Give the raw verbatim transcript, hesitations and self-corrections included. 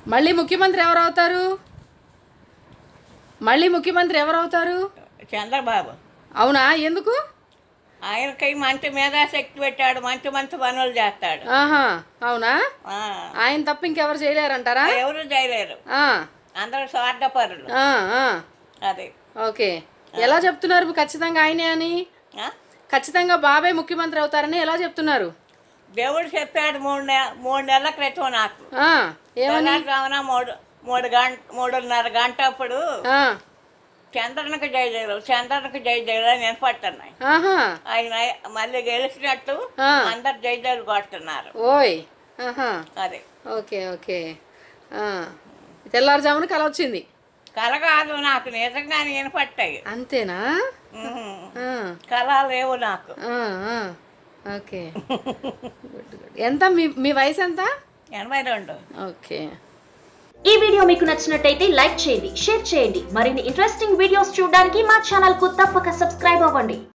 మళ్ళీ ముఖ్యమంత్రి ఎవరు అవుతారు? మళ్ళీ ముఖ్యమంత్రి ఎవరు అవుతారు? చంద్రబాబు. అవునా? ఎందుకు? ఆయనకి మంచి మేధాశక్తి పెట్టాడు, మంచి మంచి పనులు చేస్తాడు. ఆహా, అవునా? ఆ, ఆయన తప్ప ఇంకెవరు చేయలేరంటారా? ఎవరు చేయలేరు, ఆ, అందరూ స్వార్థపరులు. ఆ, ఆ. అది ఓకే. ఎలా చెప్తున్నారు ఖచ్చితంగా ఆయనే అని? ఆ? ఖచ్చితంగా బాబే ముఖ్యమంత్రి అవుతారని ఎలా చెప్తున్నారు? దేవుడు చెప్పాడు మూడు నె మూడు నెలల క్రితం నాకు. ఆ, ఏమని? తెల్లవారుజామున మూడు మూడు గంట మూడున్నర గంట అప్పుడు ఆ, చంద్రనకు జై జయలు చంద్రనకు జై జయలు అని వినపడుతున్నాయి. ఆహా, ఆయన మళ్ళీ గెలిచినట్టు ఆ. అందరు జై జయలు కొడుతున్నారు. ఓయ్, ఆహా, అది ఓకే ఓకే. ఆ, తెల్లారుజామున కల వచ్చింది. కల కాదు, నాకు నిజంగానే వినపట్టాయి. అంతేనా? ఆ, కళ లేవు నాకు. ఆ, ఆ, ఓకే. Good good. ఎంత మీ మీ వయసు ఎంత? ఎనభై రెండు. ఓకే. ఈ వీడియో మీకు నచ్చినట్టయితే లైక్ చేయండి, షేర్ చేయండి. మరిన్ని ఇంట్రెస్టింగ్ వీడియోస్ చూడడానికి మా ఛానల్ కు తప్పక సబ్స్క్రైబ్ అవ్వండి.